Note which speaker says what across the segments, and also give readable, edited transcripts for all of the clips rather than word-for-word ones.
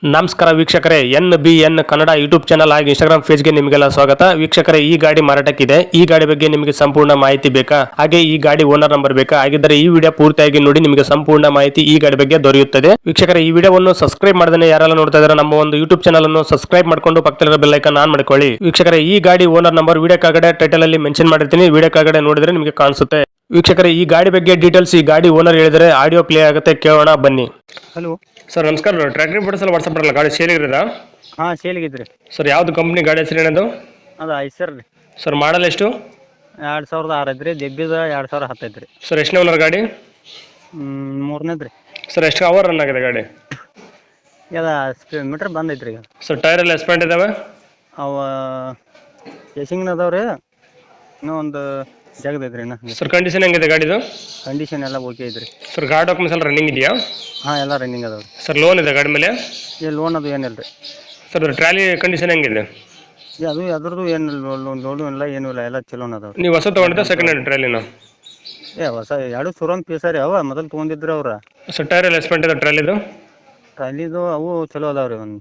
Speaker 1: ನಮಸ್ಕಾರ ವೀಕ್ಷಕರೇ, NBN Kannada YouTube channel ಹಾಗೂ ಇನ್ಸ್ಟಾಗ್ರಾಮ್ ಪೇಜ್ಗೆ ನಿಮಗೆಲ್ಲ ಸ್ವಾಗತ. ವೀಕ್ಷಕರೇ, ಈ ಗಾಡಿ ಮಾರಾಟಕ್ಕಿದೆ. ಈ ಗಾಡಿ ಬಗ್ಗೆ ನಿಮಗೆ ಸಂಪೂರ್ಣ ಮಾಹಿತಿ ಬೇಕಾ, ಹಾಗೆ ಈ ಗಾಡಿ ಓನರ್ ನಂಬರ್ ಬೇಕಾ? ಹಾಗಿದ್ದರೆ ಈ ವಿಡಿಯೋ ಪೂರ್ತಿಯಾಗಿ ನೋಡಿ, ನಿಮಗೆ ಸಂಪೂರ್ಣ ಮಾಹಿತಿ ಈ ಗಾಡಿ ಬಗ್ಗೆ ದೊರೆಯುತ್ತದೆ. ವೀಕ್ಷಕರೇ, ಈ ವಿಡಿಯೋವನ್ನು ಸಬ್ಸ್ಕ್ರೈಬ್ ಮಾಡದೇ ಯಾರೆಲ್ಲ ನೋಡ್ತಾ ಇದ್ದಾರೆ ನಮ್ಮ ಒಂದು ಯೂಟ್ಯೂಬ್ ಚಾನಲ್ ಅನ್ನು ಸಬ್ಸ್ಕ್ರೈಬ್ ಮಾಡ್ಕೊಂಡು ಪಕ್ಕದಲ್ಲಿರೋ ಬೆಲ್ ಐಕಾನ್ ಆನ್ ಮಾಡ್ಕೊಳ್ಳಿ. ವೀಕ್ಷಕರೇ, ಈ ಗಾಡಿ ಓನರ್ ನಂಬರ್ ವಿಡಿಯೋ ಕೆಳಗಡೆ ಟೈಟಲ್ ಅಲ್ಲಿ ಮೆನ್ಷನ್ ಮಾಡಿರ್ತೀನಿ, ವಿಡಿಯೋ ಕೆಳಗಡೆ ನೋಡಿದ್ರೆ ನಿಮಗೆ ಕಾಣಿಸುತ್ತೆ. ವೀಕ್ಷಕರೇ, ಈ ಗಾಡಿ ಬಗ್ಗೆ ಡೀಟೇಲ್ಸ್ ಈ ಗಾಡಿ ಓನರ್ ಹೇಳಿದರೆ ಆಡಿಯೋ ಪ್ಲೇ ಆಗುತ್ತೆ, ಕೇಳೋಣ ಬನ್ನಿ.
Speaker 2: ಹಲೋ
Speaker 1: ಸರ್ ನಮಸ್ಕಾರ. ಟ್ರ್ಯಾಕ್ಟರ್ ಬಿಡಿಸಲ್ಲ ವಾಟ್ಸಪ್ ಬರಲ್ಲ, ಗಾಡಿ ಸೇಲಿಗಿರೋದಾ?
Speaker 2: ಹಾಂ ಸೇಲಿಗಿದ್ರಿ
Speaker 1: ಸರ್ ಯಾವ್ದು ಕಂಪ್ನಿ ಗಾಡಿ ಹೆಸರು ಏನದು?
Speaker 2: ಅದು ಐಸರ್ ರೀ.
Speaker 1: ಸರ್ ಮಾಡಲ್ ಎಷ್ಟು?
Speaker 2: 2006 ಐತ್ರಿ. ದೆಬ್ಬಿದ 2010 ಐತ್ರಿ.
Speaker 1: ಸರ್ ಎಷ್ಟನೇ ಓನರ್ ಗಾಡಿ?
Speaker 2: ಮೂರನೇದು ರೀ.
Speaker 1: ಸರ್ ಎಷ್ಟು ಅವರ್ ರನ್ ಆಗಿದೆ ಗಾಡಿ?
Speaker 2: ಮೀಟ್ರ್ ಬಂದೈತ್ರಿ ಈಗ.
Speaker 1: ಸರ್ ಟೈರ್ ಎಲ್ಲ ಎಸ್ಪೆಂಟ್ ಇದಾವೆ?
Speaker 2: ಅವ ಕೇಸಿಂಗ್ನ ಅದಾವ್ರಿ, ಇನ್ನೂ ಒಂದು ಜಗದೈತ್ರಿ. ಇನ್ನು
Speaker 1: ಸರ್ ಕಂಡೀಷನ್ ಹೆಂಗಿದೆ ಗಾಡಿದು?
Speaker 2: ಕಂಡೀಷನ್ ಎಲ್ಲ ಓಕೆ ಐತ್ರಿ.
Speaker 1: ಸರ್ ಗಾಡಿ ಡಾಕ್ಯುಮೆಂಟ್ಸ್ ಎಲ್ಲ ರನ್ನಿಂಗ್ ಇದೆಯಾ?
Speaker 2: ಹಾಂ ಎಲ್ಲ ರನ್ನಿಂಗ್ ಅದಾವ್ರಿ.
Speaker 1: ಸರ್ ಲೋನ್ ಇದೆ ಗಾಡಿ ಮೇಲೆ?
Speaker 2: ಲೋನ್ ಅದು ಏನಿಲ್ಲ ರೀ.
Speaker 1: ಸರ್ ಟ್ರಾಲಿ ಕಂಡೀಷನ್ ಹೆಂಗಿದೆ?
Speaker 2: ಅದು ಅದ್ರದ್ದು ಏನಿಲ್ಲ, ಲೋನು ಇಲ್ಲ ಏನೂ ಇಲ್ಲ, ಎಲ್ಲ ಚಲೋನ ಅದಾವ್ರಿ.
Speaker 1: ನೀವು ಹೊಸ ತೊಗೊಂಡಿದ್ದ ಸೆಕೆಂಡ್ ಹ್ಯಾಂಡ್ ಟ್ರಾಲಿನ?
Speaker 2: ಹೊಸ ಎರಡು ಶೋರೂಮ್ ಪೀಸ ರೀ. ಅವ ಮೊದಲು ತೊಗೊಂಡಿದ್ರಿ ಅವ್ರ.
Speaker 1: ಸರ್ ಟೈರ್ ಎಲ್ಲ ಎಸ್ಪೆಂಟ್ ಇದೆ ಟ್ರಾಲಿದು?
Speaker 2: ಟ್ರಾಲಿದು ಅವು ಚಲೋ ಅದಾವ್ರಿ. ಒಂದು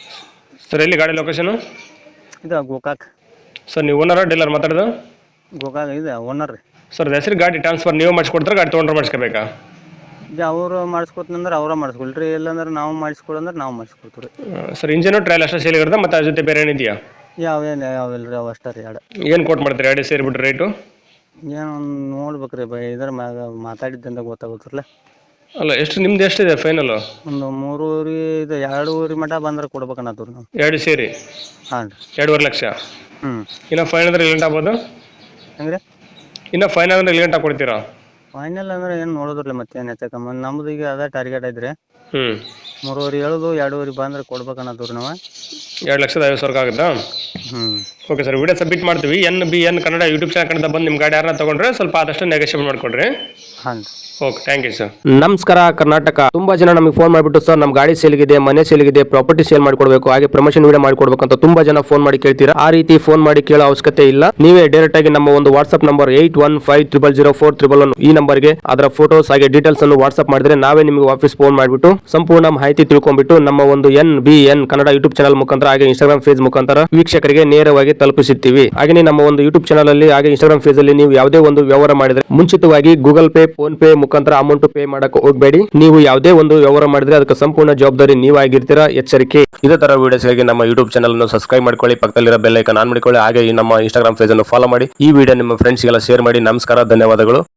Speaker 1: ಸರ್ ಎಲ್ಲಿ ಗಾಡಿ ಲೊಕೇಶನು?
Speaker 2: ಇದು ಗೋಕಾಕ್.
Speaker 1: ಸರ್ ನೀವು ಓನರ ಡೀಲರ್ ಮಾತಾಡೋದು?
Speaker 2: ಗೋಕಾಕ್ ಇದೆ ಓನರ್ ರೀ.
Speaker 1: ಸರ್ ಹೆಸರು ಗಾಡಿ ಟ್ರಾನ್ಸ್ಫರ್ ನೀವು ಮಾಡಿಸ್ಕೊಡ್ತಾರೆ, ಗಾಡಿ ತೊಗೊಂಡ್ರೆ ಮಾಡಿಸ್ಕೋಬೇಕಾ?
Speaker 2: ಈಗ ಅವ್ರು ಮಾಡಿಸ್ಕೊತಂದ್ರೆ ಅವ್ರ ಮಾಡಿಸ್ಕೊಳ್ರಿ, ಇಲ್ಲಾಂದ್ರೆ ನಾವು ಮಾಡಿಸ್ಕೊಡಂದ್ರೆ ನಾವು ಮಾಡಿಸ್ಕೊಡ್ತೀವಿ ರೀ.
Speaker 1: ಸರ್ ಇಂಜಿನು ಟ್ರಯಲ್ ಅಷ್ಟೇ ಸೇಲ್ ಇರುತ್ತೆ, ಮತ್ತು ಅದ್ರ ಜೊತೆ ಬೇರೆ ಏನಿದೆಯಾ?
Speaker 2: ಯಾವಿಲ್ಲ ರೀ, ಅವು ಅಷ್ಟೇ ರೀ. ಎರಡು
Speaker 1: ಏನು ಕೊಟ್ಟು ಮಾಡ್ತೀರಿ ಗಾಡಿ ಸೇರಿಬಿಟ್ರೆ ರೇಟು?
Speaker 2: ಏನು ನೋಡ್ಬೇಕು ರೀ, ಇದ್ರ ಮ್ಯಾಗ ಮಾತಾಡಿದ್ದಂತ ಗೊತ್ತಾಗುತ್ತಲ್ಲ.
Speaker 1: ಅಲ್ಲ ಎಷ್ಟು ನಿಮ್ದು ಎಷ್ಟಿದೆ ಫೈನಲ್?
Speaker 2: ಒಂದು 3 ಇದು 2 ಮಟ ಬಂದ್ರೆ ಕೊಡ್ಬೇಕನ್ನತ್ತೀವಿ ನಾವು.
Speaker 1: ಎರಡು ಸೇರಿ?
Speaker 2: ಹಾಂ ರೀ.
Speaker 1: 2.5 ಲಕ್ಷ. ಇನ್ನು ಫೈನ್ ಅಂದ್ರೆ ಎಲ್ಲಿ ಗಂಟೆ ಆಗ್ಬೋದು?
Speaker 2: ಹೆಂಗ್ರಿ?
Speaker 1: ಇನ್ನು ಫೈನ್ ಅಂದ್ರೆ ಎಲ್ಲಿ ಗಂಟೆ ಕೊಡ್ತೀರಾ?
Speaker 2: ಫೈನಲ್ ಅಂದ್ರೆ ಏನು ನೋಡೋದ್ರಲ್ಲ, ಮತ್ತೆ ಏನು ಹೆಚ್ಚಕಮ್ಮ. ನಮ್ದು ಈಗ ಅದೇ ಟಾರ್ಗೆಟ್ ಐತ್ರಿ. 3.5 ಹೇಳೋದು, 2.5 ಬಂದ್ರೆ ಕೊಡ್ಬೇಕನ್ನತ್ತೀವಿ ನಾವು.
Speaker 1: 2,50,000 ಆಗುತ್ತಾ? ಓಕೆ ಸರ್, ವಿಡಿಯೋ ಸಬ್ಮಿಟ್ ಮಾಡ್ತೀವಿ. NBN ಕನ್ನಡ ಯೂಟ್ಯೂಬ್ ಚಾನಲ್ ಕಡೆಯಿಂದ ಬಂದು ನಿಮ್ಮ ಗಾಡಿ ಯಾರನ್ನ ತಗೊಂಡ್ರೆ ಸ್ವಲ್ಪ ಆದಷ್ಟು ನೆಗೋಷಿಯೇಟ್ ಮಾಡ್ಕೊಡ್ರಿ.
Speaker 2: ಹಾಂ.
Speaker 1: Okay, thank you sir.
Speaker 3: ನಮಸ್ಕಾರ ಕರ್ನಾಟಕ. ತುಂಬಾ ಜನ ನಮಗೆ ಫೋನ್ ಮಾಡಿಬಿಟ್ಟು ಸರ್ ನಮ್ಮ ಗಾಡಿ ಸೇಲ್ಗಿದೆ, ಮನೆ ಸೇಲ್ಗಿದೆ, ಪ್ರಾಪರ್ಟಿ ಸೇಲ್ ಮಾಡ್ಕೊಡ್ಬೇಕು, ಹಾಗೆ ಪ್ರಮೋಷನ್ ವಿಡಿಯೋ ಮಾಡ್ಕೊಡ್ಬೇಕು ಅಂತ ತುಂಬಾ ಜನ ಫೋನ್ ಮಾಡಿ ಕೇಳ್ತೀರಾ. ಆ ರೀತಿ ಫೋನ್ ಮಾಡಿ ಕೇಳೋ ಅವಶ್ಯಕತೆ ಇಲ್ಲ. ನೀವೇ ಡೈರೆಕ್ಟ್ ಆಗಿ ನಮ್ಮ ಒಂದು ವಾಟ್ಸ್ಆಪ್ ನಂಬರ್ 81500411 ಈ ನಂಬರ್ಗೆ ಅದರ ಫೋಟೋಸ್ ಹಾಗೆ ಡೀಟೇಲ್ಸ್ ಅನ್ನು ವಾಟ್ಸ್ಆಪ್ ಮಾಡಿದ್ರೆ ನಾವೇ ನಿಮಗೆ ವಾಪಸ್ ಫೋನ್ ಮಾಡಿಬಿಟ್ಟು ಸಂಪೂರ್ಣ ಮಾಹಿತಿ ತಿಳ್ಕೊಂಡ್ಬಿಟ್ಟು ನಮ್ಮ ಒಂದು NBN ಕನ್ನಡ ಯೂಟ್ಯೂಬ್ ಚಾನಲ್ ಮುಖಾಂತರ ಹಾಗೆ ಇನ್ಸ್ಟಾಗ್ರಾಮ್ ಪೇಜ್ ಮುಖಾಂತರ ವೀಕ್ಷಕರಿಗೆ ನೇರವಾಗಿ ತಲುಪಿಸುತ್ತೀವಿ. ಹಾಗೆ ನಮ್ಮ ಒಂದು ಯೂಟ್ಯೂಬ್ ಚಾನಲ್ ಅಲ್ಲಿ ಹಾಗೆ ಇನ್ಸ್ಟಾಗ್ರಾಮ್ ಪೇಜ್ ಅಲ್ಲಿ ನೀವು ಯಾವುದೇ ಒಂದು ವ್ಯವಹಾರ ಮಾಡಿದ್ರೆ ಮುಂಚಿತವಾಗಿ ಗೂಗಲ್ ಪೇ, ಫೋನ್ ಪೇ ಮುಖಾಂತರ ಅಮೌಂಟ್ ಪೇ ಮಾಡಕ್ಕೆ ಹೋಗಬೇಡಿ. ನೀವು ಯಾವುದೇ ಒಂದು ವ್ಯವಹಾರ ಮಾಡಿದ್ರೆ ಅದಕ್ಕೆ ಸಂಪೂರ್ಣ ಜವಾಬ್ದಾರಿ ನೀವಾಗಿರ್ತೀರಾ, ಎಚ್ಚರಿಕೆ. ಇದೇ ತರ ವಿಡಿಯೋಸ್ಗಾಗಿ ನಮ್ಮ ಯೂಟ್ಯೂಬ್ ಚಾನಲ್ ಅನ್ನು ಸಬ್ಸ್ಕ್ರೈಬ್ ಮಾಡ್ಕೊಳ್ಳಿ, ಪಕ್ಕದಲ್ಲಿರೋ ಬೆಲ್ ಐಕಾನ್ ಆನ್ ಮಾಡ್ಕೊಳ್ಳಿ, ಹಾಗೆ ನಮ್ಮ ಇನ್ಸ್ಟಾಗ್ರಾಮ್ ಪೇಜ್ ಅನ್ನು ಫಾಲೋ ಮಾಡಿ. ಈ ವಿಡಿಯೋ ನಿಮ್ಮ ಫ್ರೆಂಡ್ಸ್ಗೆಲ್ಲ ಶೇರ್ ಮಾಡಿ. ನಮಸ್ಕಾರ, ಧನ್ಯವಾದಗಳು.